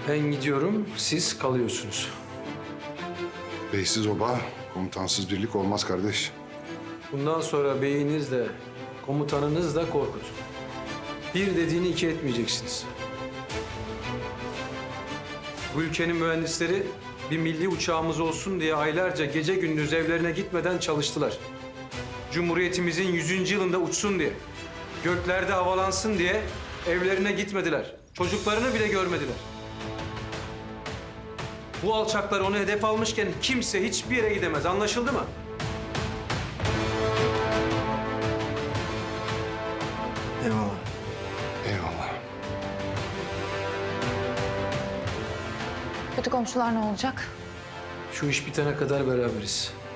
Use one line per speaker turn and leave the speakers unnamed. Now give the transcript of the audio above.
Ben gidiyorum, siz kalıyorsunuz.
Beysiz oba, komutansız birlik olmaz kardeş.
Bundan sonra beyiniz de, komutanınız da Korkut. Bir dediğini iki etmeyeceksiniz. Bu ülkenin mühendisleri bir milli uçağımız olsun diye aylarca gece gündüz evlerine gitmeden çalıştılar. Cumhuriyetimizin 100. yılında uçsun diye, göklerde havalansın diye evlerine gitmediler. Çocuklarını bile görmediler. Bu alçaklar onu hedef almışken kimse hiçbir yere gidemez. Anlaşıldı mı?
Eyvallah.
Eyvallah.
Kötü komşular ne olacak?
Şu iş bitene kadar beraberiz.